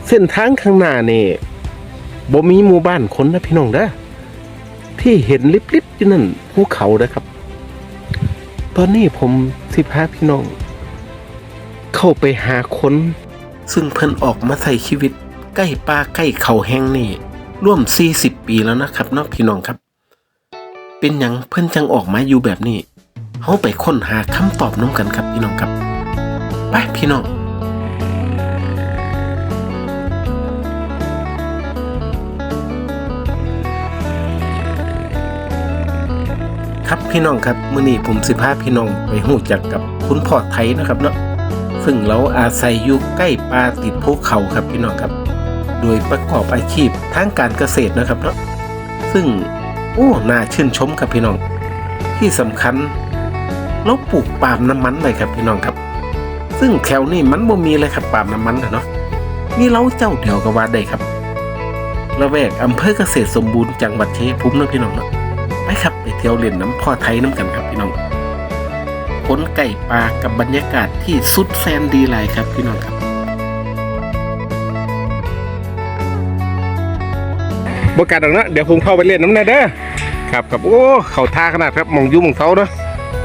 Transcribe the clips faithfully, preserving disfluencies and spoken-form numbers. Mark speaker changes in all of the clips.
Speaker 1: เส้นทางข้างหน้านี่บ่มีหมู่บ้านคนนะพี่น้องเด้อที่เห็นลิบๆอยู่นั่นภูเขาเด้อครับตอนนี้ผมสิพาพี่น้องเข้าไปหาคนซึ่งเพิ่นออกมาใช้ชีวิตใกล้ป่าใกล้เขาแห้งนี่ร่วมสี่สิบปีแล้วนะครับเนาะพี่น้องครับเป็นหยังเพิ่นจังออกมาอยู่แบบนี้เฮาไปค้นหาคำตอบน้ำกันครับพี่น้องครับไปพี่น้องครับพี่น้องครับมื้อนี้ผมสิพาพี่น้องไปฮู้จักกับคุณพ่อไทยนะครับเนาะซึ่งเราอาศัยอยู่ใกล้ป่าติดภูเขาครับพี่น้องครับโดยประกอบอาชีพทางการเกษตรนะครับเนาะซึ่งโอ้น่าชื่นชมครับพี่น้องที่สำคัญเราปลูกปาล์มน้ำมันเลยครับพี่น้องครับซึ่งแถวนี้มันบ่มีเลยครับปาล์มน้ำมันเนาะมีเราเจ้าเดียวก็ว่าได้ครับละแวกอำเภอเกษตรสมบูรณ์จังหวัดชัยภูมิเนาะพี่น้องเนาะไปครับไปเที่ยวเล่นน้ำพ่อไทยน้ำกันครับพี่น้องคนไก่ปลากับบรรยากาศที่สุดแสนดีหลายครับพี่น้องครับบรรยากาศดังนั้นเดี๋ยวผมเข้าไปเล่นน้ำในเด้อครับครับโอ้เขาท่าขนาดครับมองยุ่งมองเขาเนาะ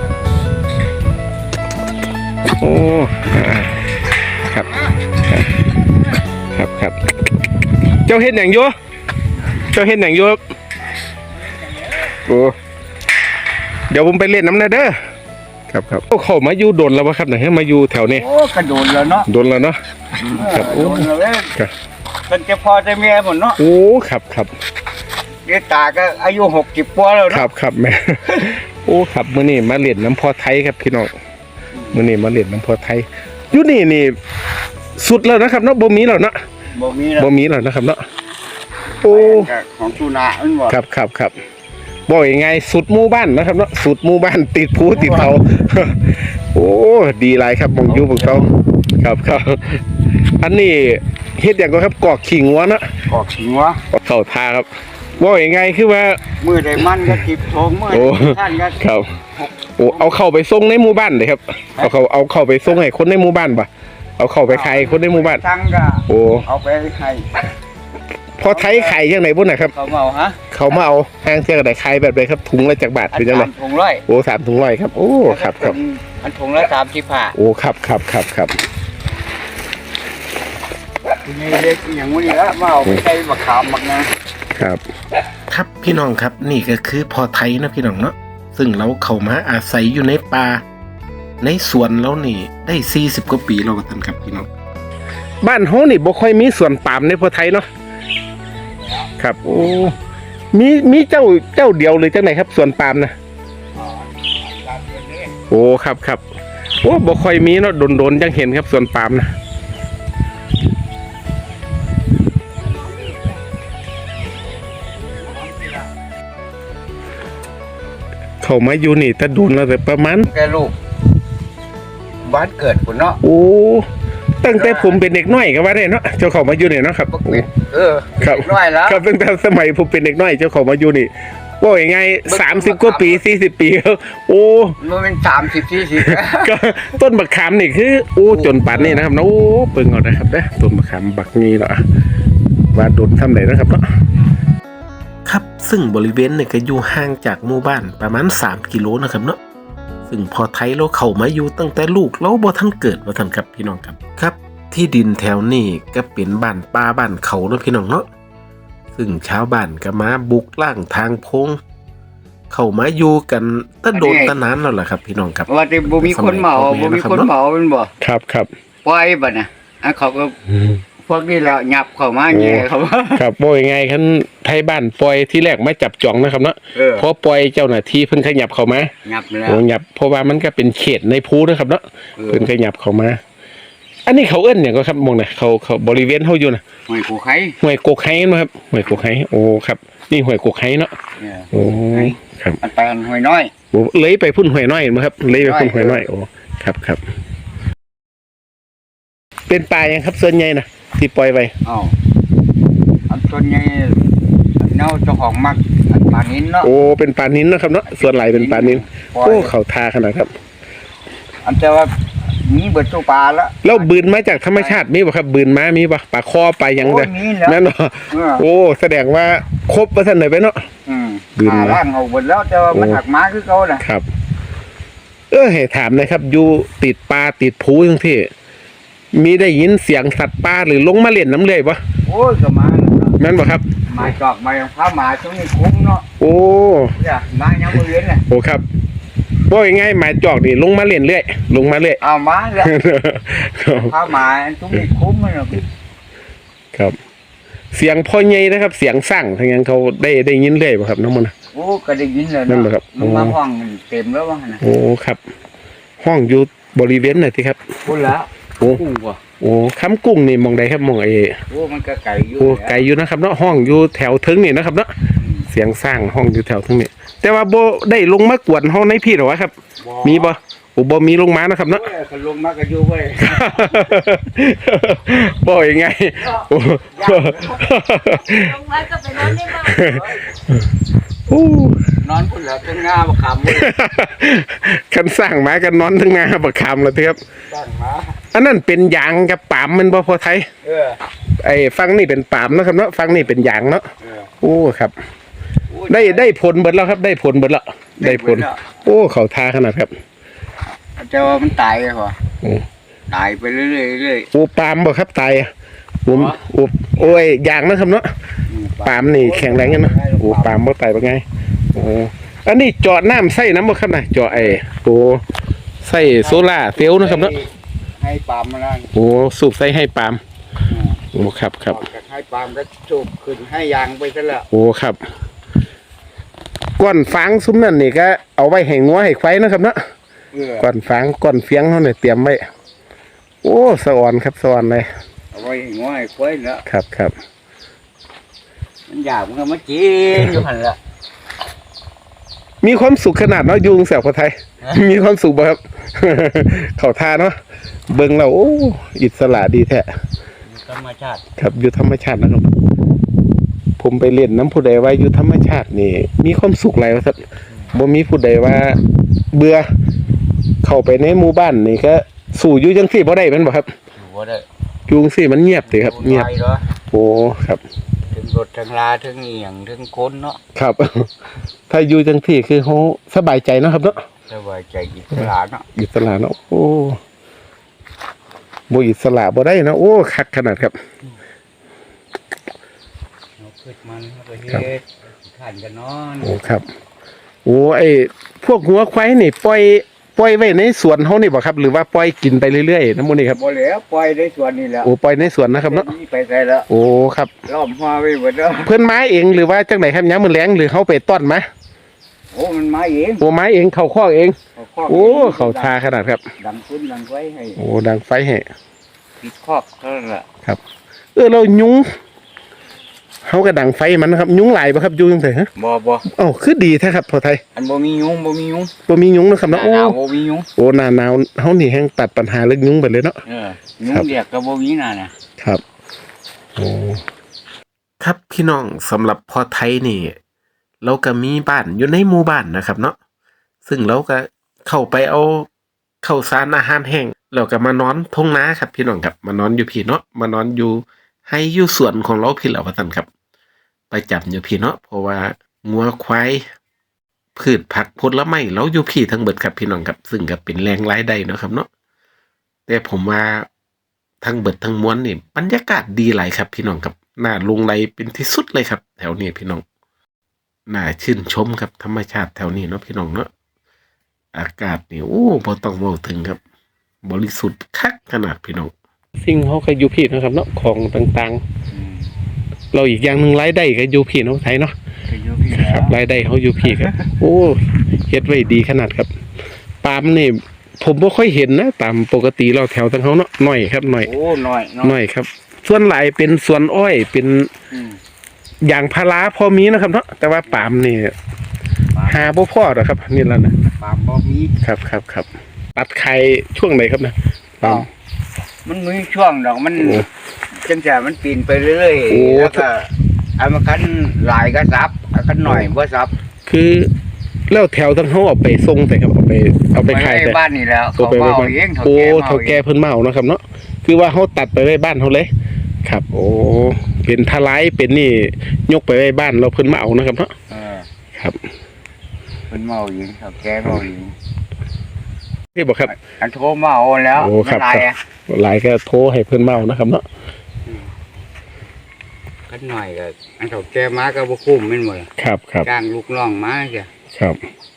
Speaker 1: โอ้ครับครับครับเจ้าเห็นอย่างโยเจ้าเห็นอย่างโยโอ้เดี๋ยวผมไปเล่นน้ำในเด้อครับครับเขามาอยู่โดนแล้ววะครับไหนให้มาอยู่แถวนี้
Speaker 2: โอ้กระโดดแล้วเนาะ
Speaker 1: โดนแล้วเนาะครับโอ้
Speaker 2: ครับเป็นเจ้าพ่อเจ้าแม่หมดเนาะ
Speaker 1: โอ้ครับครับ
Speaker 2: เดี๋ยวตาก็อายุหกสิบปีแล้ว
Speaker 1: ครับครับแม่โอ้ครับมื้อนี้มาเล่นน้ำพ่อไทยครับพี่น้องมื้อนี้มาเล่นน้ำพ่อไทยอยู่นี่นี่สุดแล้วนะครับเนาะบ่มีแล้วเนาะ
Speaker 2: บ่มีแล้ว
Speaker 1: บ่มีแล้วนะครับเนาะโอ้
Speaker 2: ของตุนาอันบ่
Speaker 1: ครับครับครับบอกยังไงสุดหมู่บ้านนะครับเนาะสุดหมู่บ้านติดภูติดเขาโอ้ดีหลายครับมองอยู่พวกเขาครับครับอันนี้เฮ็ดอย่างก็ครับกอกขิงวัวนะ
Speaker 2: กอกขิงวัว
Speaker 1: เข้าท่าครับบอกยังไงคือว่า
Speaker 2: มือใดมันก็จิบโถงมือท่านก็
Speaker 1: ครับโอ้เอาเข้าไปส่งในหมู่บ้านเลยครับเอาเขาเอาเข้าไปส่งให้คนในหมู่บ้านปะเอาเข้าไปขายคนในหมู่บ้านโอ้
Speaker 2: เอาไปให้
Speaker 1: พอไทยขายยังไงบุญนะครับ
Speaker 2: เขามาเอาฮะ
Speaker 1: เขามาเอาห้างเที่ยวไหนขายแบบไหนครับถุงละจากบาทเป็นยังไง
Speaker 2: ถุงร้อย
Speaker 1: โอ้สามถุงร้อยครับโอ้ครับครับ
Speaker 2: อันถุงละสามสิบห้า
Speaker 1: โอ้ครับครับครับครับ
Speaker 2: นี่เล็กอย่างนี้ละมาเอาไปใช้มะขามมากนะครับ
Speaker 1: ครับพี่น้องครับนี่ก็คือพอไทยนะพี่น้องเนาะซึ่งเราเข้ามาอาศัยอยู่ในป่าในสวนแล้วนี่ได้สี่สิบกว่าปีแล้วกันครับพี่น้องบ้านเฮานี่บ่ค่อยมีสวนปาล์มในพอไทยเนาะครับโอ้มีมีเจ้าเจ้าเดียวเลยจังไหนครับสวนปาล์มนะโอ้ครับครับโอ้บ่ค่อยมีเนาะโดนๆจังเห็นครับสวนปาล์มนะเขามาอยู่นี่ถ้าโดนแล้วแต่ประมาณ
Speaker 2: แกลูกบ้านเกิดคุณเนาะ
Speaker 1: โอ้ตั้งแต่ผมเป็นเด็กน้อยก็ว่าได้เนาะเจ้าเขามาอยู่เนี่ยเนาะครับ
Speaker 2: เออครับ
Speaker 1: น้อยแล้วครับตั้งแต่สมัยผมเป็นเด็กน้อยเจ้าเขามาอยู่นี่ว่าอย่างไงสามสิบกว่าปีสี่สิบปีโอ้
Speaker 2: มันเป็นสามสิบสี่สิบ
Speaker 1: ก็ต้นบักขามนี่คือโอ้จนป่านนี่นะครับนะโอ้เปิงเอานะครับนะต้นบักขามบักนี้เนาะว่าโดนทำไหนนะครับเนาะครับซึ่งบริเวณเนี่ยก็อยู่ห่างจากหมู่บ้านประมาณสามกิโลนะครับเนาะซึ่งพอไทยเราเข้ามาอยู่ตั้งแต่ลูกเราบ่ทันเกิดบ่ทันครับพี่น้องครับครับที่ดินแถวนี้ก็เป็นบ้านป่าบ้านเขาเนาะพี่น้องเนาะซึ่งชาวบ้านก็มาบุกล่างทางโพงเข้ามาอยู่กันตั้งโดนตั้งนานแล้วล่ะครับพี่น้องครับ
Speaker 2: ว่าแต่บ่มีคนเมาบ่มีคนเมาเป็นบ่
Speaker 1: ครับครับ
Speaker 2: ปล่อยบัดน่ะอันเขาก็พวกนี้แล้วหยับเข้ามาแง่เขา
Speaker 1: ครับบ่ยังไงคันไทยบ้านปล่อยที่แรกไม่จับจ่องนะครับเนาะพอปล่อยเจ้าหน้าที่เพิ่นขยับเข้ามา
Speaker 2: หยับแล้ว
Speaker 1: โอ้หยับเพราะว่ามันก็เป็นเขตในภูนะครับเนาะเพิ่นขยับเข้ามาอันนี้เขาเอิ้นหยังก็ครับมองน่ะเขาเขาบริเวณเฮาอยู่น่ะ
Speaker 2: ห้วยโกไข่
Speaker 1: ห้วยโกไข่มั้ยครับห้วยโกไข่โอ้ครับนี่ห้วยโกไข่เนาะโอ้ครับ
Speaker 2: อันไปห้วยน้อย
Speaker 1: โอ้เลยไปพุ่นห้วยน้อยมั้ยครับเลยไปพุ่นห้วยน้อยโอ้ครับครับเป็นป่ายังครับส่วนใหญ่น่ะที่ปล่อยไว้
Speaker 2: อ้าวอันส่วนใหญ่เน่าเจ้าของมักอันปลานิ้นเนาะ
Speaker 1: โอ้เป็นปลานิ้นนะครับเนาะส่วนไหลเป็นปลานิ้นโอ้เขาทาขนาดครับ
Speaker 2: อันแต่ว่ามีเบิดตัวปลาแล้ว
Speaker 1: แล้วบืนมาจากธรรมชาติมีบ่ครับบืนมามีบ่ปลาคอปลาหยัง
Speaker 2: โอ้
Speaker 1: เด้
Speaker 2: ยมีแล้ว
Speaker 1: แม่นบ่
Speaker 2: เออ
Speaker 1: โอ้แสดงว่าครบว่าซั่นได้ไปเนาะ
Speaker 2: อืม
Speaker 1: ดื่ม
Speaker 2: หา
Speaker 1: นะ
Speaker 2: ร่างเอาหมดแล้วแต่ว่ามัน
Speaker 1: โอ้
Speaker 2: หักม้าคือเขาน่ะ
Speaker 1: ครับ เออให้ถามหนะครับ อยู่ติดปลาติดภูจังซี่มีได้ยินเสียงสัตว์ป่าหรือลงมาเล่นน้ำเลื่อยบ่
Speaker 2: โอ้ยก็มาแล้วเนาะ
Speaker 1: แม่นบ่ครับ
Speaker 2: มาจอกมายังพาหมาช่วงนี้คุ้มเนาะ
Speaker 1: โอ้
Speaker 2: เนี่ยมายังบ่เรียนน่ะ
Speaker 1: โอ้ครับว่าง่ายๆหมายจอกนี่ลงมาเล่นเรื่อยลงมาเรื่อย
Speaker 2: เอามาแล้วพาหมาช่วงนี้คุ้มมันเนาะ
Speaker 1: ครับ เสียงพ่อใหญ่นะครับ เสียงสั่งทางยังเขาได้ได้ยินเรื่อยบ่ครับน้องมันน่ะ
Speaker 2: โอ้ก็ได้ยินแล้ว
Speaker 1: นั่น
Speaker 2: เนาะ
Speaker 1: เหรอครับ
Speaker 2: มันมา
Speaker 1: โอ้
Speaker 2: ห้องเต็มแล้วว่าหั่นน่ะ
Speaker 1: โอ้ครับ ห้องอยู่บริเวณไหนที่ครับ
Speaker 2: พุ่นแล้ว
Speaker 1: โอ้
Speaker 2: กุ้งบ่
Speaker 1: โอ้คำกุ้งนี่มองใดครับมองไอ้
Speaker 2: โอ้มันก็ไก่อยู่
Speaker 1: โอ้ไกลอยู่นะครับเนาะห้องอยู่แถวถึงนี่นะครับเนาะเสียงสร้างห้องอยู่แถวถึงนี่แต่ว่าโบได้ลงมากวนห้องในพี่หรอวะครับ มีบ่โอ้บ่มีลงมานะครับเนาะ
Speaker 2: โอ้ยเขาลงมาก็อยู่เว้ย
Speaker 1: บ่ยังไงโอ้
Speaker 3: ลงมาก็ไปนอนในบ้าน
Speaker 1: โอ้
Speaker 2: นอนพุ่นแล้วถึงงาบ่ขำเว้ย
Speaker 1: คันสร้างมากันนอนทั้งงาบักคำแล้วครับ
Speaker 2: สร้างมา
Speaker 1: อันนั้นเป็นยางกับปาล์มมันบ่พอไทย
Speaker 2: เออ
Speaker 1: ไอ้ฟังนี่เป็นปาล์มเนาะครับเนาะฟังนี่เป็นยางเนาะ
Speaker 2: เออ
Speaker 1: โอ้ครับ
Speaker 2: โอ้ย
Speaker 1: ได้ได้ผลเบิดแล้วครับ ได้ผลเบิดแล้วได้ผล
Speaker 2: ได้ผลแล้ว
Speaker 1: โอ้เขาทาขนาดครับ
Speaker 2: แต่ว่ามันตายเหรอ
Speaker 1: โอ้
Speaker 2: ตายไปเรื่อยๆเรื่อย
Speaker 1: โอ้ปาล์มบ่ครับตายอะผม
Speaker 2: อ๋อ
Speaker 1: โอ้โอ้ยยางนะครับเนาะ
Speaker 2: ๆอื
Speaker 1: ปาล์มนี่แข็งแรงกันเนาะโอ้ปาล์มบ่ตายบ่ไงโอ้อันนี้เจาะน้ำใส่น้ำบ่ครับนะเจาะไอ้โอ้ใส่โซล่าร์เซลล์นะครับเนาะ
Speaker 2: ให้ปาล์มมาแล้ว
Speaker 1: โอ้สูบใส่ให้ปาล์มโอ้ครับครับ
Speaker 2: ออกจากให้ปาล์มก็สูบขึ้นให้ยางไปซะแล้ว
Speaker 1: โอ้ครับก้อนฟางซุ้มนั่นนี่ก็เอาไว้ให้งัวให้ควายนะครับเนาะ
Speaker 2: เออ
Speaker 1: ก้อนฟางก้อนเฟียงเขาเนี่ยเตรียมไว้โอ้สะอ่อนครับสะอ่อนเลย
Speaker 2: เอาไว้ให้ง้อยควายแล้ว
Speaker 1: ครับครับ
Speaker 2: มันอยากมันก็มากินอยู่หันละ
Speaker 1: มีความสุขขนาดเนาะยุงแสบคนไทย มีความสุขบ่ครับ เขาทาเนาะเบิ่งแล้วโอ้อิสระดีแท้
Speaker 2: ธรรมชาติ
Speaker 1: ครับอยู่ธรรมชาตินะครับ ผมไปเล่นน้ำผู้ใดว่าอยู่ธรรมชาตินี่ มีความสุขหลายว่าซั่นบ่มีผู้ใดว่า เบื่อเข้าไปในหมู่บ้านนี่ก็สู่อยู่จังซี่บ่ได้แม่นบ่ครับ
Speaker 2: อยู่ว่าได้
Speaker 1: อยู่จังซี่มันเงียบติครับเงียบ
Speaker 2: ไปเหรอ
Speaker 1: โอ้ครับ
Speaker 2: ถึงรถถึงลาถึงเอียงถึงคนเนาะ
Speaker 1: ครับ ถ้าอยู่จังซี่คือเฮาสบายใจเนาะครับเนาะ
Speaker 2: สบายใจอิสระเนาะ
Speaker 1: อิสระเนาะโอ้บ่อิสระบ่ได้เนาะโอ้คักขนาดครับ
Speaker 2: เอาขึ้นมันเอาไปเฮ็ดขันกันนอน
Speaker 1: โอ้ครับ โอ้ไอ้พวกหัวควายนี่ปล่อยปล่อยไว้ในสวนเฮานี่บ่ครับ หรือว่าปล่อยกินไปเรื่อยๆน้ำมันนี่ครับ
Speaker 2: บ่เหลือปล่อยได้ส่วนนี้แล้ว
Speaker 1: โอ้ปล่อยในสวนนะครับเนาะ
Speaker 2: ไปใส่แล้ว
Speaker 1: โอ้ครับ
Speaker 2: ล้อมหัวไว้หมดแล้ว
Speaker 1: เพิ่นไม้เองหรือว่าจังไหนครับยามมื้อแลงหรือเฮาไปต้อนมา
Speaker 2: โอ้มันมาเอง
Speaker 1: โอ้ไม้เองเข้าคอกเอง
Speaker 2: เขาครอบ
Speaker 1: โอ้เขาทาขนาดครับ
Speaker 2: ดังคุ้นดังไว้ให้
Speaker 1: โอ้ดังไฟให้
Speaker 2: ปิดครอบเท่านั้นแหละ
Speaker 1: เออเรายุงเฮาก็ดังไฟมันนะครับ ยุงหลายบ่ครับอยู่จังไดฮะ
Speaker 2: บ่บ่
Speaker 1: อ้าวคือดีแท้ครับพ่อไทย
Speaker 2: อันบ่มียุงบ่มียุง
Speaker 1: บ่มียุงนะครับ
Speaker 2: หน้า
Speaker 1: เนาะโอ้
Speaker 2: หนาวบ่มียุง
Speaker 1: โอ้หน้าหนาวเฮานี่แฮงตัดปัญหาเรื่องยุงไปเลยเนาะ
Speaker 2: เออยุง
Speaker 1: ครับ
Speaker 2: เรียกก็บ่มีน่ะนะครับ
Speaker 1: โอ้ครับพี่น้องสำหรับพ่อไทยนี่ เราก็มีบ้านอยู่ในหมู่บ้านนะครับ เนาะซึ่งเราก็เข้าไปเอาข้าวสารอาหารแห้งเราก็มานอนทงนาครับ พี่น้องครับมานอนอยู่พี่เนาะมานอนอยู่ให้อยู่สวนของเราพี่เหล่าว่าซั่นครับ ไปจับอยู่พี่เนาะเพราะว่างัวควายพืชผักผลไม้เราอยู่พี่ทั้งเบิดครับพี่น้องครับ ซึ่งก็เป็นแรงรายได้เนาะครับเนาะแต่ผมว่าทั้งเบิดทั้งมวลนี่บรรยากาศดีหลายครับ พี่น้องครับน่าลงไหลเป็นที่สุดเลยครับ แถวนี้พี่น้องน่าชื่นชมครับธรรมชาติแถวนี้เนาะพี่น้องเนาะอากาศนี่โอ้บ่ต้องเว้าถึงครับ บริสุทธิ์คักขนาดพี่น้องสิ่งเฮาก็อยู่พี่นะครับเนาะของต่างๆ เราอีกอย่างหนึ่งรายได้ก็อยู่พี่เนาะไทยเนาะ
Speaker 2: ก็อยู่พี่
Speaker 1: ครับ
Speaker 2: แล้ว
Speaker 1: รายได้เขาอยู่พี่ครับ โอ้เฮ็ดไว้ดีขนาดครับปาล์มนี่ผมบ่ค่อยเห็นนะตามปกติเราแถวทางเขาเนาะน้อยครับน้อย
Speaker 2: โอ้น้อยเนาะ
Speaker 1: น้อยครับ ส่วนหลายเป็นสวนอ้อยเป็น
Speaker 2: อืม
Speaker 1: ยางพาราพอมีนะครับเนาะแต่ว่าปาล์มนี่
Speaker 2: ปาล์ม
Speaker 1: หาบ่พอหรอกครับ นี่แล้วนะ
Speaker 2: ปาล์มบ่มี
Speaker 1: ครับครับครับตัดไข่ช่วงไหนครับนะปาล์ม
Speaker 2: มันมีช่วงดอกมัน
Speaker 1: โอ้
Speaker 2: จังแต่มันปีนไปเรื่อย
Speaker 1: โอ้
Speaker 2: ๆแล้วก็อันมันคันหลายก็ซับอันคันหน่อยบ่ซับ
Speaker 1: คือแล้วแถวทั้งเขาเอาไปส่งแต่ครับเอาไปเอาไป
Speaker 2: ไป
Speaker 1: ขาย
Speaker 2: ไว้
Speaker 1: แต่
Speaker 2: บ้านนี่แล้ว
Speaker 1: เอา
Speaker 2: เขา
Speaker 1: ไปไว้
Speaker 2: เมา
Speaker 1: บ้าน
Speaker 2: เองเขา
Speaker 1: โอ้
Speaker 2: แก่
Speaker 1: เท่า
Speaker 2: เมา
Speaker 1: แก่เพิ่นเมาเนาะครับเนาะคือว่าเขาตัดไปไว้บ้านเขาเลยครับ โอ้เป็นทลายเป็นนี่ยกไปไว้บ้านเราเพิ่นมาเอานะครับเนาะ
Speaker 2: เออ
Speaker 1: ครับ
Speaker 2: เป็นเมาเองเขาแก่เมาเอง
Speaker 1: นี่บอกครับ
Speaker 2: อันโทรมาเอาแล้ว
Speaker 1: โอ้ครับ
Speaker 2: มันไร
Speaker 1: ครับ หลายก็โทรให้เพิ่นเมานะครับเนาะ
Speaker 2: กันหน่อยก็อันเขาแก่มาก็บ่คุ้มแม่นบ่
Speaker 1: ครับครับ
Speaker 2: จ้างลูกน้องมาจ้ะ
Speaker 1: ครับ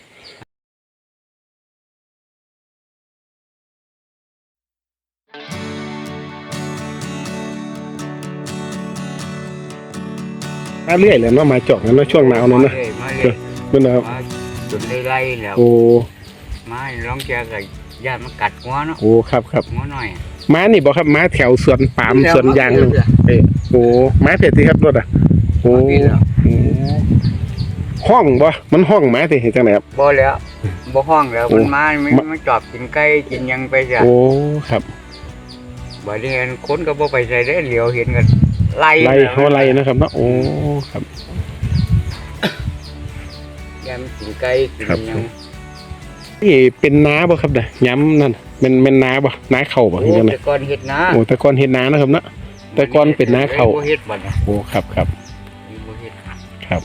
Speaker 1: มาเรื่อยเลยเนาะมาจอกนั้นเนาะช่วงหนาวนั้นนะ
Speaker 2: มาเลยมาเลย
Speaker 1: มันนะครับ
Speaker 2: มาจนได้ไล่แล้ว
Speaker 1: โอ้
Speaker 2: มาร้องแกก็ญาติมากัดหัวเนาะ
Speaker 1: โอ้ครับครับ
Speaker 2: หัวหน่อย
Speaker 1: ม้านี่บอกครับม้าแถวสวนปาล์มสวนยางนึงเอ้ยโอ้ม้าเผ็ดสิครับรถอ่ะโอ้โอ้ห้องบ่มันห้องม้าสิเห็นจังไหนครับ
Speaker 2: บ่แล้วบ่ห้องแล้ว
Speaker 1: โอ้
Speaker 2: มันมามัน
Speaker 1: มา
Speaker 2: มันจอบกินไก่กินหยังไปจ้ะ
Speaker 1: โอ้ครับ
Speaker 2: บัดนี้อันคนก็บ่ไปใส่ได้เหลียวเห็นกันไล่
Speaker 1: ไล่เขาไล่นะครับเนาะโอ้ครับ
Speaker 2: แกมนกินไก่กิน
Speaker 1: ครับ
Speaker 2: หยัง
Speaker 1: นี่เป็นน้าบ่ครับเนี่ยย้ำนั่นเป็นเป็นน้าบ่น้าเข่าบ่
Speaker 2: โอ้
Speaker 1: เห็นจังไหน
Speaker 2: แต่ก่อนเฮ็ดนา
Speaker 1: โอ้แต่ก่อนเห็นน้านะครับเนาะ แต่ก่อนเป็นนาข้าว
Speaker 2: บ่เฮ็ดบัดน่ะ
Speaker 1: โอ้ครับครับ
Speaker 2: บ่เฮ็ด
Speaker 1: ครับ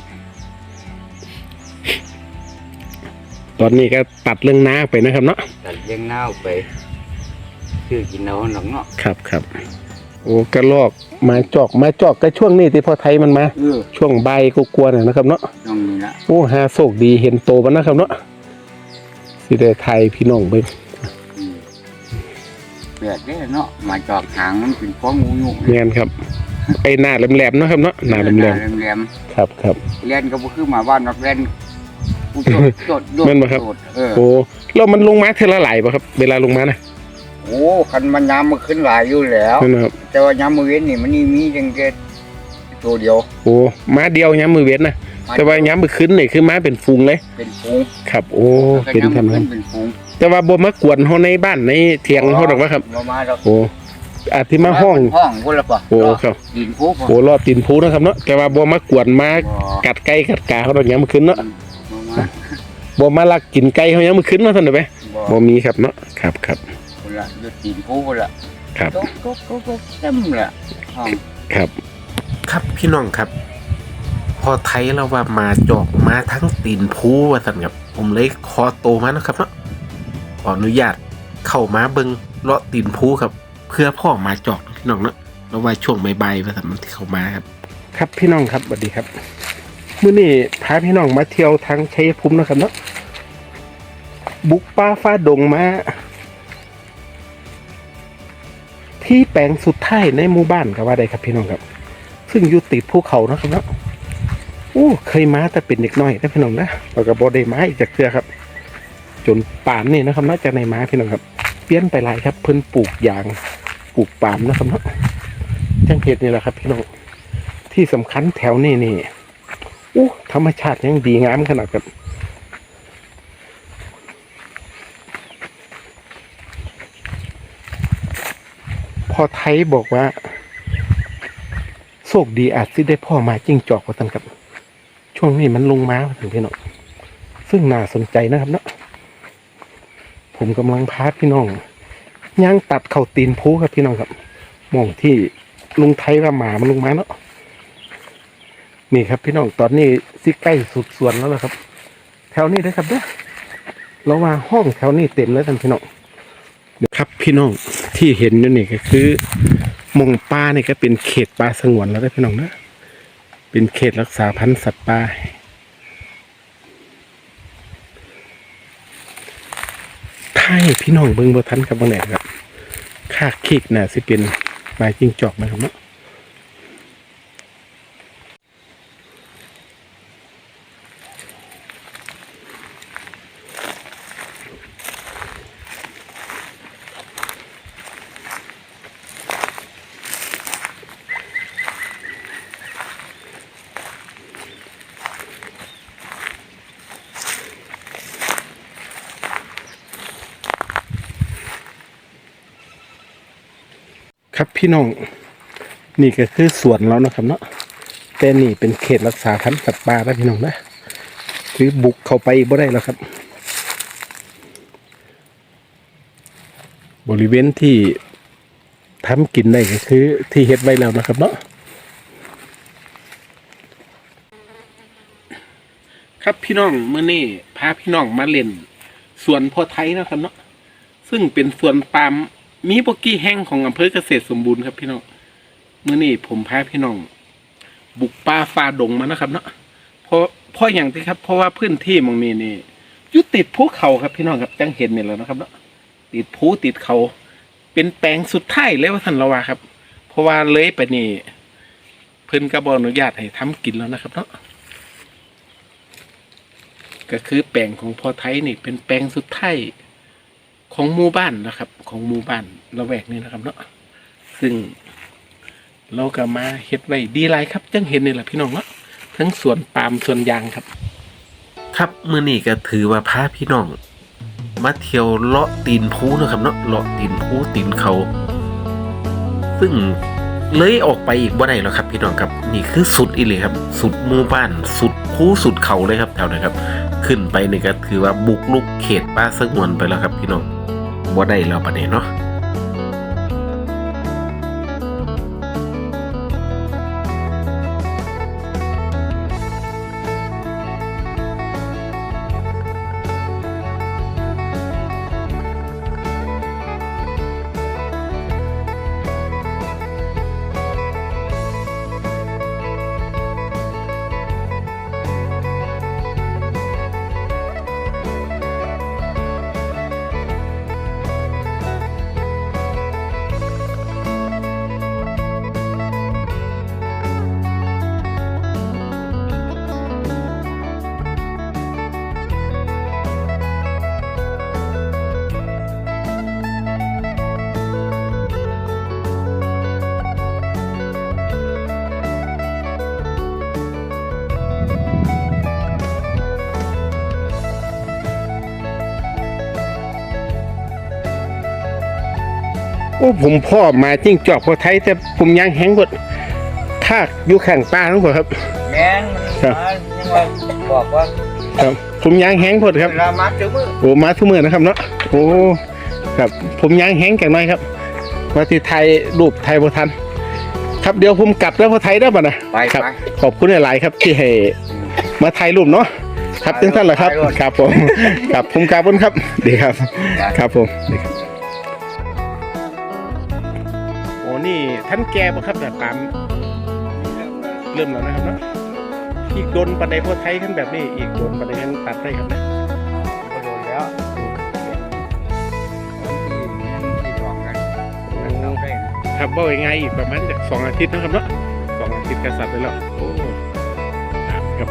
Speaker 1: ตอนนี้ก็ตัดเรื่องน้าไปนะครับเนาะ
Speaker 2: ตัดเลี้ยงนาวไปซื้อกินเอาหนังเนาะ
Speaker 1: ครับครับโอ้กระลอกมาจอกมาจอกก็ช่วงนี้ที่พอไทยมันมา
Speaker 2: เออ
Speaker 1: ช่วงใบก็กลัวๆน่ะนะครับเนาะ
Speaker 2: น้องนี่ละ
Speaker 1: โอ้หาโศกดีเห็นโตมันนะครับเนาะสิได้ไทยพี่น้องเบิ่ง
Speaker 2: อืมแปลกเด้เนาะมาจอกหางมันเป็นของงูยุ
Speaker 1: แม่นครับไอ้หน้าแหลมๆเนาะครับเนาะหน้าแหลม
Speaker 2: แหลม
Speaker 1: ๆครับครับ
Speaker 2: ๆเล่นก็บ่คือหมาบ้านนอกเล่นกูโดดโดดโดด
Speaker 1: แม่นบ่ครับ
Speaker 2: โดดเออ
Speaker 1: โอ้แล้วมันลงมาเทอละหลายป่ะครับ เวลาลงมานะ
Speaker 2: โอ้คันมันยามมันขึ้นหลายอยู่แล้ว
Speaker 1: นั่นนะครับ
Speaker 2: แต่ว่ายามมื้อเว้นนี่มันนี่มีจังแค่ตัวเดียว
Speaker 1: โอ้ม้าเดียวย้ำมือเว้นนะแต่ว่าย้ำมือขึ้นนี่คือม้าเป็นฟูงเลย
Speaker 2: เป็นฝูง
Speaker 1: ครับ โอ้เป็น
Speaker 2: แล้วก็
Speaker 1: ทำ
Speaker 2: ยาม
Speaker 1: นั้
Speaker 2: มื้อน เป็นฝูง
Speaker 1: แต่ว่าบ่มากวนเฮาในบ้านในเถียงเฮาดอกว่าครับ
Speaker 2: บ่มาดอก
Speaker 1: โอ้อาจสิมาห้อง
Speaker 2: ห้องพุ่นละป่ะ
Speaker 1: โอ้ครับ
Speaker 2: ดินฟูบ่
Speaker 1: โอ้รอดตีนผูนะครับเนาะแต่ว่าบ่มากวนมา
Speaker 2: บ่
Speaker 1: กัดไก่กัดกาเขาดอกย้ำมือขึ้นเนาะ
Speaker 2: บ่มา
Speaker 1: บ่มาลักกินไก่เฮาย้ำมือขึ้นเนาะท่านเด้อไป
Speaker 2: บ่
Speaker 1: บ่มีครับเนาะครับครับ
Speaker 2: พุ่นละอยู่ดินฟูพุ่นละ
Speaker 1: ครับ
Speaker 2: ตกตกตกตกเต็มละห้อง
Speaker 1: ครับ ครับพี่น้องครับ พอไทยเราว่ามาจอกมาทั้งตีนผูว่าสั่นครับผมเลยคอโตมานะครับเนาะขออนุญาตเข้ามาเบิงเลาะตีนผูครับ เพื่อพ่อมาจอกพี่น้องเนาะแล้วว่าช่วงบ่ายๆว่าสั่นมันที่เข้ามาครับ ครับพี่น้องครับสวัสดีครับมื้อนี้พาพี่น้องมาเที่ยวทางชัยภูมินะครับเนาะบุกป่าฟ้าดงมาที่แปลงสุดท้ายในหมู่บ้านก็ว่าได้ครับพี่น้องครับ ซึ่งอยู่ติดภูเขานะครับเนาะโอ้เคยมาแต่เป็นเด็กน้อยนะพี่น้องนะเราก็บ่ได้มาอีกจากเครือครับ จนป่านนี่นะครับเนาะจากในมาพี่น้องครับเปลี่ยนไปหลายครับเพิ่นปลูกยางปลูกปาล์มนะครับเนาะจังเห็ดนี่แหละครับพี่น้องที่สำคัญแถวนี้นี่โอ้ธรรมชาติยังดีงามขนาดครับพอไทยบอกว่าโชคดีอาจสิได้พ่อมาจิ้งจอกว่าท่านครับช่วงนี้มันลงมาถึงพี่น้องซึ่งน่าสนใจนะครับเนาะผมกำลังพาพี่น้องย่างตัดเข่าตีนพูครับพี่น้องครับมองที่ลุงไทยว่าหมามันลงมาเนาะนี่ครับพี่น้องตอนนี้สิใกล้สุดสวนแล้วนะครับ แถวนี้นะครับเด้อเราว่าห้องแถวนี้เต็มแล้วท่านพี่น้องครับพี่น้องที่เห็นอยู่นี่ก็คือมงป่านี่ก็เป็นเขตป่าสงวนแล้วนะพี่น้องนะเป็นเขตรักษาพันธุ์สัตว์ป่าถ้าให้พี่น้องเบิ่งบ่ทันกับบางแหนครับค่าคิกน่ะสิเป็นไม้จิ้งจอกนะครับเนาะครับพี่น้องนี่ก็คือสวนแล้วนะครับเนาะแต่นี่เป็นเขตรักษาพันธุ์สัตว์ป่าแล้วพี่น้องนะคือบุกเข้าไปบ่ได้แล้วครับ บริเวณที่ทำกินได้ก็คือที่เฮ็ดไว้แล้วนะครับเนาะครับพี่น้องเมื่อนี้พาพี่น้องมาเล่นสวนพ่อไทยนะครับเนาะซึ่งเป็นสวนปาล์มมีบกี้แห้งของอำเภอเกษตรสมบูรณ์ครับพี่น้องเมื่อนี้ผมพาพี่น้อง บุกป่าฝ่าดงมานะครับเนาะเพราะเพราะอย่างที่ครับเพราะว่าพื้นที่มองนี้นี่อยู่ติดภูเขาครับพี่น้องครับจังเห็นนี่แหล้วนะครับเนาะติดภูติดเขาเป็นแปลงสุดท้ายเลยว่าท่านละว่าครับ เพราะว่าเลยไปนี่เพิ่นก็บ่อนุญาตให้ทำกินแล้วนะครับเนาะก็คือแปลงของพ่อไทยนี่เป็นแปลงสุดท้ายของหมู่บ้านนะครับ ของหมู่บ้านละแวกนี้นะครับเนาะซึ่งเราก็มาเฮ็ดไว้ดีหลายครับจังเห็นนี่แหละพี่น้องเนาะทั้งสวนปาล์มสวนยางครับ ครับมื้อนี้ก็ถือว่าพาพี่น้อง มาเที่ยวเลาะตีนภูนะครับเนาะเลาะตีนภูตีนเขาซึ่งเลยออกไปอีกบ่ได้แล้วครับ พี่น้องครับนี่คือสุดอีหลีครับ สุดหมู่บ้านสุดภูสุดเขาเลยครับแถวนั้นครับ ขึ้นไปนี่ก็ถือว่าบุกลุกเขตป่าสงวนไปแล้วครับ พี่น้องบ่ได้แล้วบัดนี้เนาะโอ้ผมพ่อมาจิ้งจอกพอไทยแต่ผมยังแห้งหมดทากอยู่ข้างป่าทั้งหมดครับ
Speaker 2: แม่นมันมายังว่าบอกว่า
Speaker 1: ครับผมยังแห้งหมดครับ
Speaker 2: เวลามาถึงมือ
Speaker 1: โอ้มาทุกมือนะครับเนาะโอ้ครับผมยังแห้งกันหน่อยครับว่าที่ไทยรูปไทยพอทันครับเดี๋ยวผมกลับแล้วพอไทยได้ป่ะนะ
Speaker 2: ไป
Speaker 1: ครับ
Speaker 2: ไป
Speaker 1: ขอบคุณหลายๆครับที่ให้มาไทยรูปเนาะครับถึงท่านเหรอครับครับผมครับผมกราบคุณครับดีครับครับผมดีครับโอ้นี่ท่านแกป่ะครับแบบตามเริ่มแล้วนะครับเนาะอีกโดนปันไดพอไทยกันแบบนี้อีกโดนปันไดกันตัดได้ครับนะ
Speaker 2: ก็โดนแล้วที่ที่รองกันมันเอาได้นะครับ
Speaker 1: ว่ายังไงอีกประมาณจากสองอาทิตย์นะครับเนาะสองอาทิตย์กษัตริย์ไปแล้วโอ้ครับ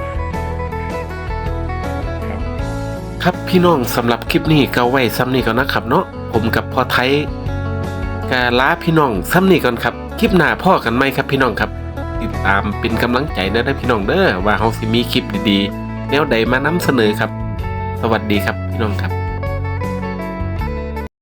Speaker 1: ครับครับพี่น้องสำหรับคลิปนี้ก็ไว้ซ้ำนี้ก่อนนะครับเนาะผมกับพ่อไทยกาลาพี่น้องซ้ำนี้ก่อนครับคลิปหน้าพ่อกันไหมครับพี่น้องครับติดตามเป็นกำลังใจนะพี่น้องเด้อว่าเฮาสิมีคลิปดีๆแนวใดมานำเสนอครับสวัสดีครับพี่น้องครับ